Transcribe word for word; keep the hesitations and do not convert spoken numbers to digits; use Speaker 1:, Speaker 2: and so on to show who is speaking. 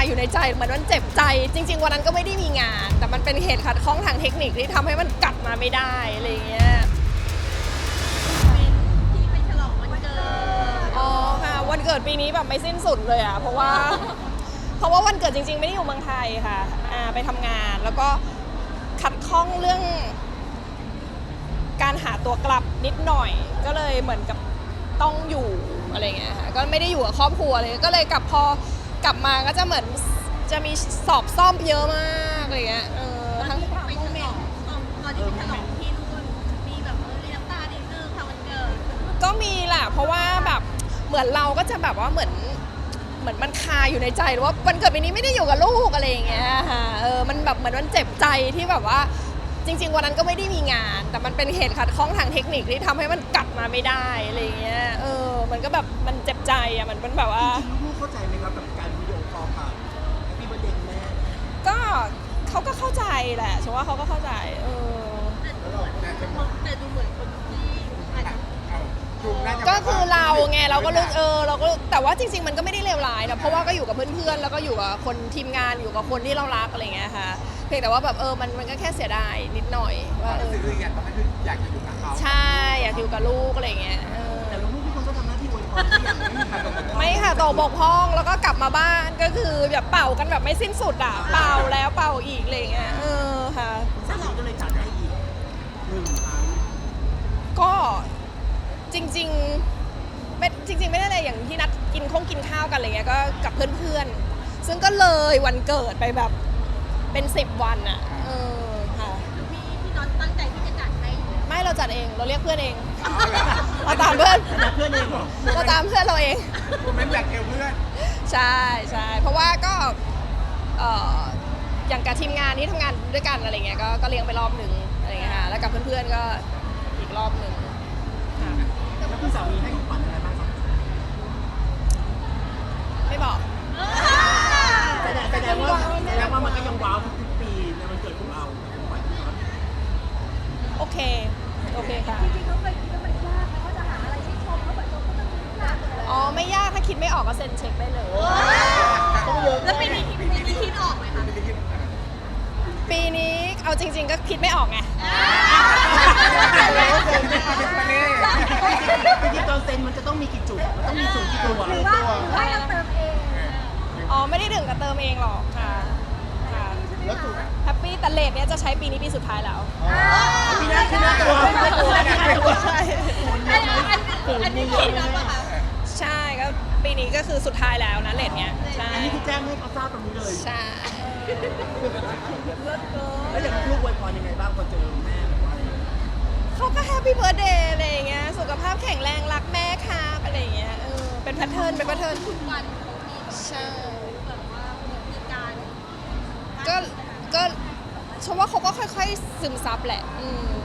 Speaker 1: อยู่ในใจเหมือนมันเจ็บใจจริงๆวันนั้นก็ไม่ได้มีงานแต่มันเป็นเหตุขัดข้องทางเทคนิคที่ทำให้มันกลับมาไม่ได้อะไรเงี้ย
Speaker 2: ที่ไปฉลองวันเกิด
Speaker 1: อ๋อค่ะวันเกิดปีนี้แบบไม่สิ้นสุดเลยอ่ะเพราะว่าเพราะว่าวันเกิดจริงๆไม่ได้อยู่เมืองไทยค่ะอ่าไปทำงานแล้วก็ขัดข้องเรื่องการหาตัวกลับนิดหน่อยก็เลยเหมือนกับต้องอยู่อะไรเงี้ยค่ะก็ไม่ได้อยู่กับครอบครัวเลยก็เลยกลับพอกลับมาก็จะเหมือนจะมีสอบซ่อมเยอะมากอะไรเงี้ยเออทั้ง
Speaker 2: ไปฉลองตอนตอนที่ไปฉลองที่นู่นมีแบบเออเลี้ยงตาดินเนอร์ค่ะวันเกิด
Speaker 1: ก็มีแหละเพราะว่าแบบเหมือนเราก็จะแบบว่าเหมือนเหมือนมันคาอยู่ในใจว่าวันเกิดปีนี้ไม่ได้อยู่กับลูกอะไรอย่างเงี้ยค่ะเออมันแบบเหมือนมันเจ็บใจที่แบบว่าจริงๆวันนั้นก็ไม่ได้มีงานแต่มันเป็นเหตุขัดข้องทางเทคนิคที่ทำให้มันกลับมาไม่ได้อะไรอย่างเงี้ยเออมันก็แบบมันเจ็บใจอ่ะมันเป็นแบบว่า
Speaker 3: จริงๆลูกเข้าใจไหมครับกับการวิดีโอคอลผ่านพี่ประเด็นแม่
Speaker 1: ก็เขาก็เข้าใจแหละฉันว่าเขาก็เข้าใจเออ
Speaker 2: แต่ดูเหมือนคนที่อาจจะ
Speaker 1: ก็คือเราไงเราก็รู้เออเราก็แต่ว่าจริงๆมันก็ไม่ได้เลวร้ายนะเพราะว่าก็อยู่กับเพื่อนๆแล้วก็อยู่กับคนทีมงานอยู่กับคนที่เรารักอะไรเงี้ยค่ะเพียงแต่ว่าแบบเออมันมันก็แค่เสียดายนิดหน่อยว่าเออ
Speaker 4: อยากคืออยากอยู่กับเขา
Speaker 1: ใช่อยากอยู่กับลูกอะไรเงี้ย
Speaker 3: แต่ลูกพี่คนก็ทำหน้าที่อวยพรที่อย่างไม่มีใครตกบกพร่อง
Speaker 1: ไม่ค่ะตกบกพร่องแล้วก็กลับมาบ้านก็คือแบบเป่ากันแบบไม่สิ้นสุดอ่ะเป่าแล้วเป่าอีกอะไรเงี้ยเออค่ะ
Speaker 3: สามีก็เลยจัดให้อีกหนึ่งครั้ง
Speaker 1: ก็จริงๆไม่จริงๆไม่ได้อะไรอย่างที่นัดกินข้องกินข้าวกันอะไรเงี้ยก็กับเพื่อนๆซึ่งก็เลยวันเกิดไปแบบเป็นสิบวันอ่ะเออค่ะ
Speaker 2: พี่พี่น็อตตั้งใจที่จะจัดให้
Speaker 1: ไม่เราจัดเองเราเรียกเพื่อนเองเราตามเพื่อน
Speaker 3: เพื่อนเองเหรอ
Speaker 1: เราตามเพื่อนเราเอง
Speaker 4: โมเมนต์อยากเอวเพื่อน
Speaker 1: ใช่ใช่เพราะว่าก็เอ่ออย่างกับทีมงานที่ทำงานด้วยกันอะไรเงี้ยก็ก็เลี้ยงไปรอบหนึ่งอะไรเงี้ยค่ะแล้วกับเพื่อนๆก็อีกรอบหนึ่งค่ะ
Speaker 3: แล้วคุณสามีให้ขวัญอะไรบ้างครับ
Speaker 1: ไม่บอก
Speaker 3: แสดงแสดงว่าแสดงว่ามันก็ยังว้าวทุกปีในวันเกิดของเราขวัญครับ
Speaker 1: โอเคโอเคค่ะ
Speaker 2: จริงๆเขาเคยคิดว่ามันยากนะว่าจะหาอะไรที่ชมเขาแบบเขาก็ต้องยากเลย
Speaker 1: อ๋อไม่ยากถ้าคิดไม่ออกก็เซ็นเช็คได้เลย
Speaker 2: แล้วปีนี้ปีนี้คิดออกไหมคะ
Speaker 1: ปีนี้เอาจริงๆก็คิดไม่ออกไง
Speaker 3: จริงๆตอนเซ็นมันจะต้องมีกี่จุดมันต้องมีสูงกี่ตัว
Speaker 2: หรือว่าให้เราเติมเอง
Speaker 1: อ๋อไม่ได้ถึงกับเติมเองหรอกค่ะค่ะ
Speaker 4: แล้วถูก
Speaker 1: แฮปปี้แต่เลทเนี้ยจะใช้ปีนี้ปีสุดท้ายแล้ว
Speaker 3: ปีหน้าปีหน้าตัว
Speaker 1: ใช่
Speaker 2: อันนี้คิดแล้วป่ะคะ
Speaker 1: ใช่ก็ปีนี้ก็คือสุดท้ายแล้วนะเลทเนี้ยใช่
Speaker 3: อันนี้คือแจ้งให้เขาทราบตรงนี้เลย
Speaker 1: ใช่
Speaker 3: แล้วอย่างลูกอวยพรยังไงบ้างพอเจอแม่แบบว่า
Speaker 1: เขาก็แฮปปี้เบิร์ธเดย์อะไรอย่างเงี้ยสุขภาพแข็งแรงรักแม่ครับอะไรอย่างเงี้ยเออเป็นแพทเทิร์นเป็นแพทเทิร์น
Speaker 2: ทุกวัน
Speaker 1: ใช่
Speaker 2: แบบว่ามีการ
Speaker 1: ก็ก็ฉันว่าเขาก็ค่อยๆซึมซับแหละอืม